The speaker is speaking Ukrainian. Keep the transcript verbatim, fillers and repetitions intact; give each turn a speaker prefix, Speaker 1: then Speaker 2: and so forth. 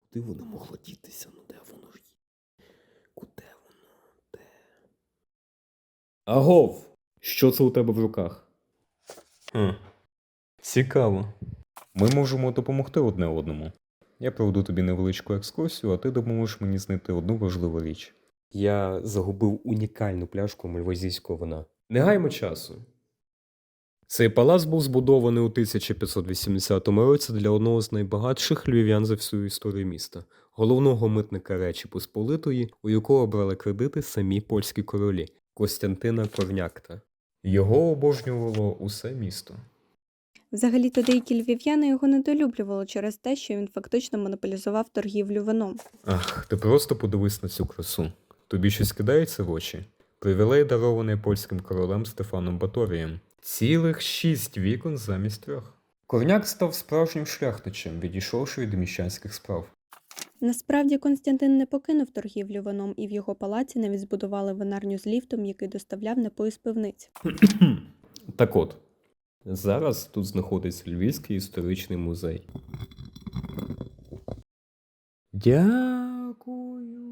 Speaker 1: Куди воно могло дітися? Ну де воно ж є? Куди воно? Де? Агов! Що це у тебе в руках?
Speaker 2: Хм. Цікаво. Ми можемо допомогти одне одному. Я проведу тобі невеличку екскурсію, а ти допоможеш мені знайти одну важливу річ.
Speaker 1: Я загубив унікальну пляшку мальвазійського вина. Не гаймо часу. Цей палац був збудований у тисяча п'ятсот вісімдесятому році для одного з найбагатших львів'ян за всю історію міста, головного митника Речі Посполитої, у якого брали кредити самі польські королі Костянтина Корнякта.
Speaker 2: Його обожнювало усе місто.
Speaker 3: Взагалі-то деякі львів'яни його недолюблювали через те, що він фактично монополізував торгівлю вином.
Speaker 2: Ах, ти просто подивись на цю красу. Тобі щось кидається в очі? Привілей, дарований польським королем Стефаном Баторієм. Цілих шість вікон замість трьох. Корняк став справжнім шляхтичем, відійшовши від міщанських справ.
Speaker 3: Насправді Константин не покинув торгівлю вином, і в його палаці навіть збудували винарню з ліфтом, який доставляв напої з пивниць.
Speaker 1: Так от, зараз тут знаходиться Львівський історичний музей. Дякую.